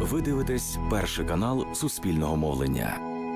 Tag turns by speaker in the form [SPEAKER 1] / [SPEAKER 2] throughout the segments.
[SPEAKER 1] Ви дивитесь перший канал Суспільного мовлення.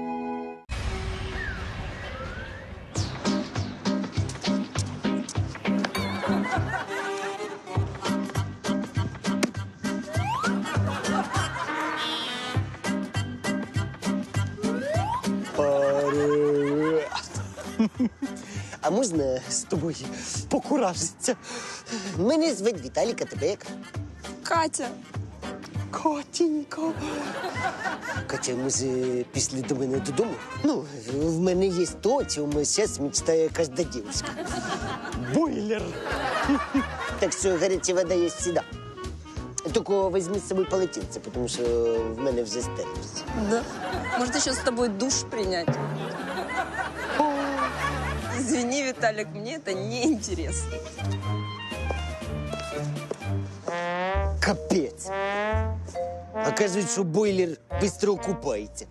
[SPEAKER 2] А можна з тобою покуражитися? Мене звуть Віталік, а тебе як?
[SPEAKER 3] Катя.
[SPEAKER 2] Катенька. Катя, може, пішли до мене додому? Ну, в мене є то, о чому зараз мечтає кожна дівчинка. Бойлер. Так що гаряча вода є завжди. Тільки візьми з собою полотенце, тому що в мене вже стерлося.
[SPEAKER 3] Да? Может, еще с тобой душ принять? Извини, Виталик, мне это неинтересно.
[SPEAKER 2] Капець. Оказується, що бойлер швидко окупається.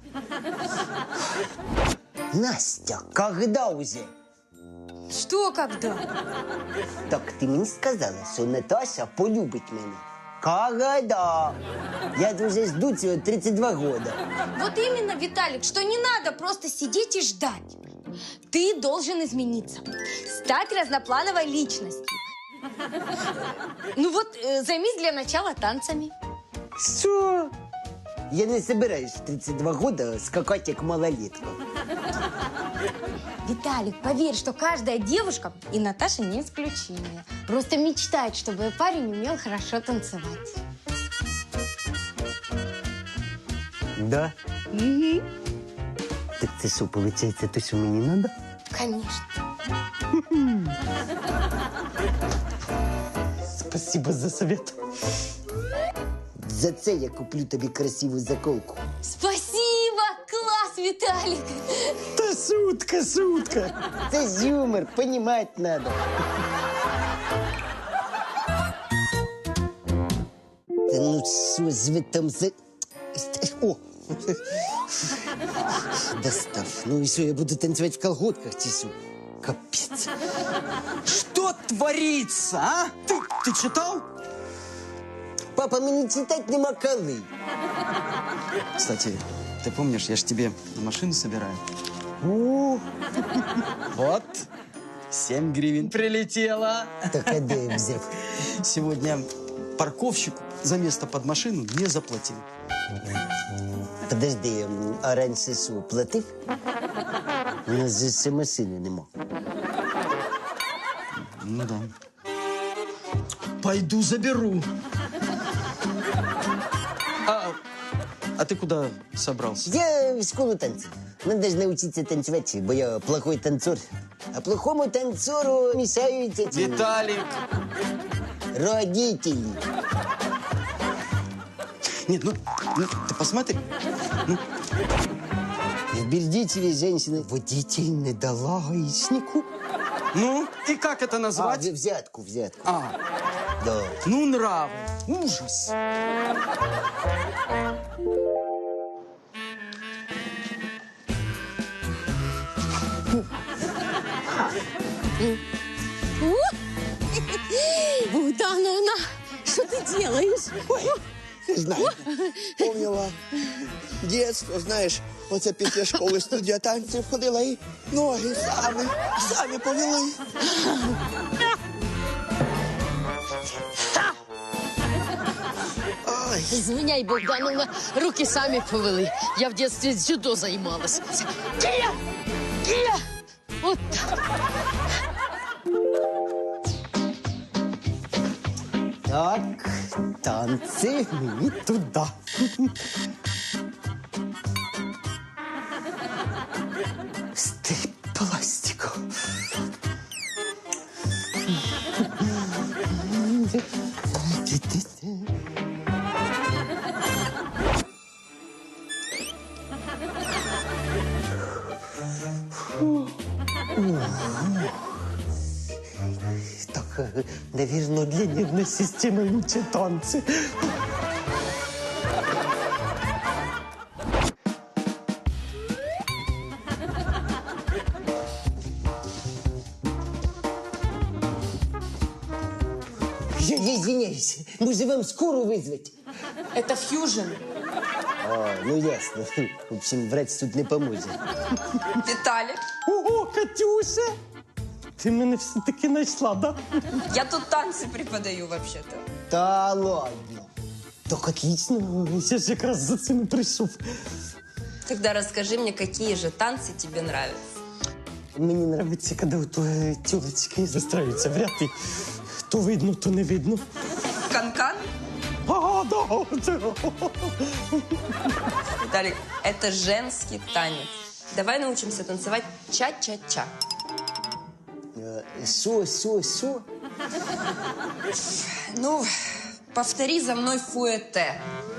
[SPEAKER 2] Настя, когда уже?
[SPEAKER 4] Что когда?
[SPEAKER 2] Так ти мені сказала, що Наташа полюбить мене. Когда? Я уже жду цього 32 года.
[SPEAKER 4] Вот именно, Виталик, что не надо просто сидеть и ждать. Ты должен измениться, стать разноплановой личностью. Ну вот, займись для начала танцами.
[SPEAKER 2] Що? Я не собираюсь в 32 года скакать як малолетка.
[SPEAKER 4] Виталик, поверь, что каждая девушка, и Наташа не исключение, просто мечтает, чтобы парень умел хорошо танцевать.
[SPEAKER 2] Да?
[SPEAKER 4] Угу.
[SPEAKER 2] Так це що, виходить, то, що мені надо?
[SPEAKER 4] Конечно.
[SPEAKER 2] Спасибо за совет. За це я куплю тобі красиву заколку.
[SPEAKER 4] Спасибо! Класс, Виталик!
[SPEAKER 2] Та шутка, шутка. Це ж юмор, понімати надо. Та ну що ж ви там за... О! Достав. Ну і що, я буду танцювати в колготках чи що? Капець.
[SPEAKER 5] Что творится, а? Ты читал?
[SPEAKER 2] Папа, мені читати нема коли.
[SPEAKER 5] Кстати, ты помнишь, я ж тебе машину собираю.
[SPEAKER 2] О,
[SPEAKER 5] Вот, 7 гривен прилетело.
[SPEAKER 2] так а де я взяв?
[SPEAKER 5] Сегодня парковщик за место под машину не заплатил.
[SPEAKER 2] Подожди, а раніше що, платив? У нас же ще машини нема.
[SPEAKER 5] Ну да. Пойду заберу. А ты куда собрался?
[SPEAKER 2] Я в школу танців. Надо ж навчитися танцювати, бо я плохой танцор. А плохому танцору мешають эти
[SPEAKER 5] Виталик!
[SPEAKER 2] родители.
[SPEAKER 5] Нет, ну ты посмотри.
[SPEAKER 2] В Бердичеве женщина водитель не дала гаишнику.
[SPEAKER 5] Ну, и как это
[SPEAKER 2] А,
[SPEAKER 5] назвать?
[SPEAKER 2] взятку. Да.
[SPEAKER 5] Ну, нравы. Ужас.
[SPEAKER 4] Богдановна, что ты делаешь?
[SPEAKER 6] Знаю, помнила дитинство, знаєш, оце після школи студія танців ходила і ноги самі повели. Ой,
[SPEAKER 7] Извиняй, Богдановна, руки сами повели. Я в детстве дзюдо занималась. Кия! Кия! Вот так.
[SPEAKER 2] Так, танці мені туди. Стиль пластику. Так, наверное, для нервной системы лучше танцы. Я извиняюсь, может, вам скорую вызвать?
[SPEAKER 3] Это фьюжн.
[SPEAKER 2] А, ну ясно. В общем, врать тут не поможе.
[SPEAKER 3] Виталик,
[SPEAKER 2] Ого, Катюша! Ти мене все-таки знайшла, да?
[SPEAKER 3] я тут танцы преподаю вообще-то.
[SPEAKER 2] Та ладно. Так отлично. Я ж якраз за цим і прийшов.
[SPEAKER 3] Тогда расскажи мне, какие же танцы тебе нравятся.
[SPEAKER 2] Мені подобається, коли тілочки застраюються в ряд, і то видно, то не видно.
[SPEAKER 3] Канкан?
[SPEAKER 2] А, да, це...
[SPEAKER 3] Виталик, это женский танец. Давай научимся танцевать ча-ча-ча.
[SPEAKER 2] Що?
[SPEAKER 3] Ну, повтори за мной фуэте.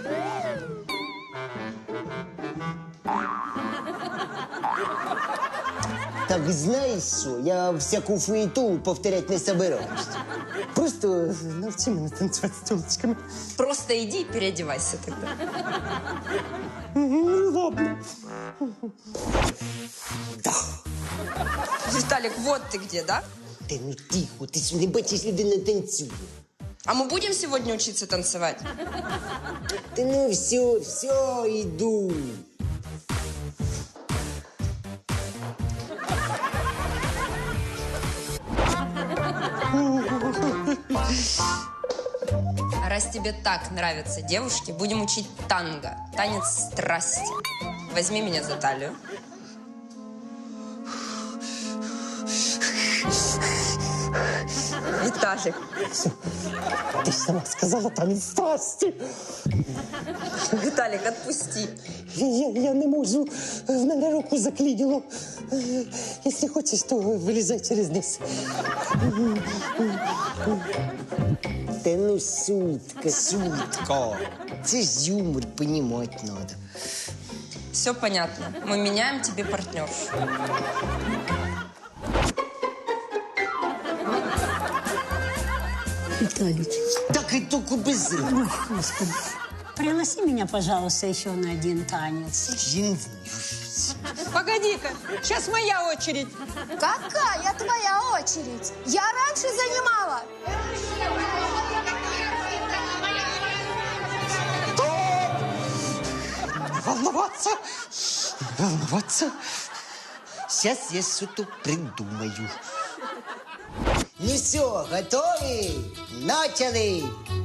[SPEAKER 2] Так знаєш що, я всяку фуєту повторять не собираюсь. Просто навчи мене танцювати з тілочками.
[SPEAKER 3] Просто иди и переодевайся тогда.
[SPEAKER 2] Ну, ладно. Да.
[SPEAKER 3] Виталик, вот ты где, да?
[SPEAKER 2] Та ну тихо, ти ж не бачиш, людина танцює.
[SPEAKER 3] А мы будем сегодня учиться танцевать?
[SPEAKER 2] Та ну все, йду.
[SPEAKER 3] А раз тебе так нравятся девушки, будем учить танго. Танец страсти. Возьми меня за талию. Виталик,
[SPEAKER 2] Ти ж сама сказала, танець страсті.
[SPEAKER 3] Виталик, отпусти.
[SPEAKER 2] Я не можу, в мене руку заклинило. Якщо хочеш, то вилізай через низ. Та ну шутка. Це ж юмор, понімати надо.
[SPEAKER 3] Все понятно. Мы меняем тебе партнершу.
[SPEAKER 8] Виталий,
[SPEAKER 2] Так и только без рук.
[SPEAKER 8] ой, Господи, пригласи меня, пожалуйста, еще на один танец.
[SPEAKER 2] Я не знаю.
[SPEAKER 9] Погоди-ка, сейчас моя очередь.
[SPEAKER 4] Какая твоя очередь? Я раньше занимала.
[SPEAKER 2] Волноваться. Сейчас я что-то придумаю. Ну все, готовы? Начали!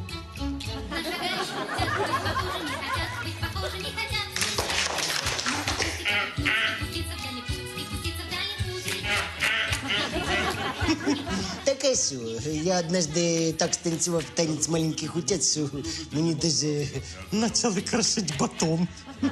[SPEAKER 2] Так а що, я однажды так станцевал танец маленьких утят, что мне даже начали крошить батон.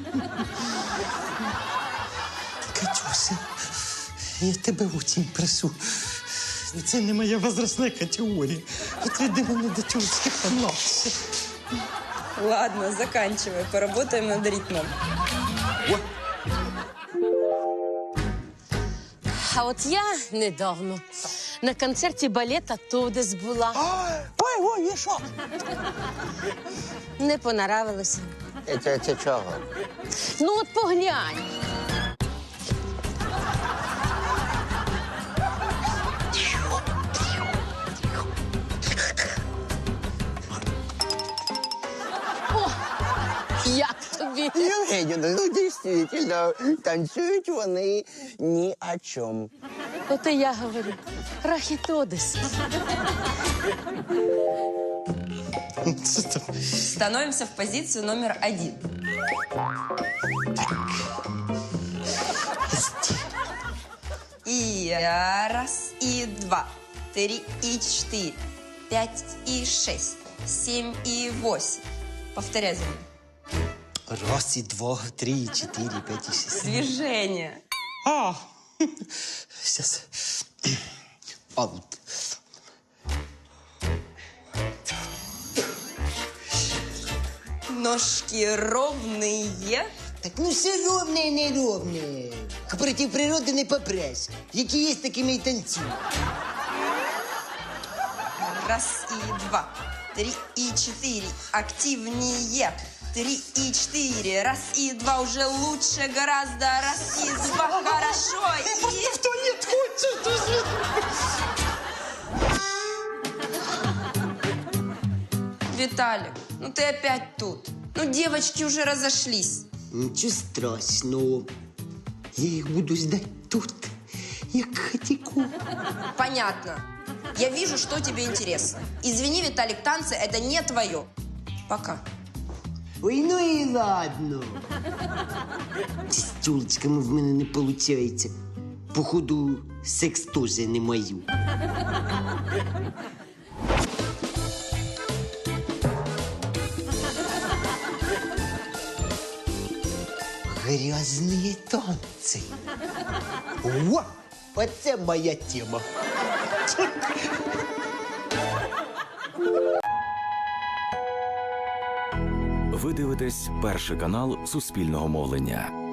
[SPEAKER 2] Катюша, я тебе очень прошу. Це не моя возрастная категория. Отведи мене до тюркських помладше.
[SPEAKER 3] Ладно, заканчивай. Поработаем над ритмом.
[SPEAKER 7] А от я недавно на концерті балета «Тодес» була.
[SPEAKER 6] Ой, і що?
[SPEAKER 7] Не понравилося.
[SPEAKER 2] Це чого?
[SPEAKER 7] Ну от поглянь. О, як тобі?
[SPEAKER 6] Євгенівна, ну дійсно, танцюють вони ні о чому.
[SPEAKER 7] От і я говорю. Рахітодес.
[SPEAKER 3] Становимся в позицию номер 1. И раз, и два, 3 и 4, 5 и 6, 7 и 8. Повторяй за мной.
[SPEAKER 2] Раз, и два, 3, и 4, 5, и 6.
[SPEAKER 3] Движение.
[SPEAKER 2] А, сейчас. Аут.
[SPEAKER 3] Ножки ровные.
[SPEAKER 2] Так ну все ровне, неровне. Проти природи не попреш. Які є, такими і танцюй.
[SPEAKER 3] Раз и два, 3 и 4. Активнее. 3 и 4. Раз и два уже лучше гораздо. Раз и два хорошо. И...
[SPEAKER 2] В туалет хочешь?
[SPEAKER 3] Виталик, ну ты опять тут. Ну, девочки уже разошлись.
[SPEAKER 2] Нічого страшного. Я їх буду ждать тут, як хатіку.
[SPEAKER 3] Понятно. Я вижу, что тебе интересно. Извини, Виталик, танцы – это не твое. Пока.
[SPEAKER 2] Ой, ну і ладно. З тюлечками в мене не виходить. Походу, секс теж не мою. Грязные танцы. О, оце моя тема.
[SPEAKER 1] Ви дивитесь перший канал Суспільного мовлення.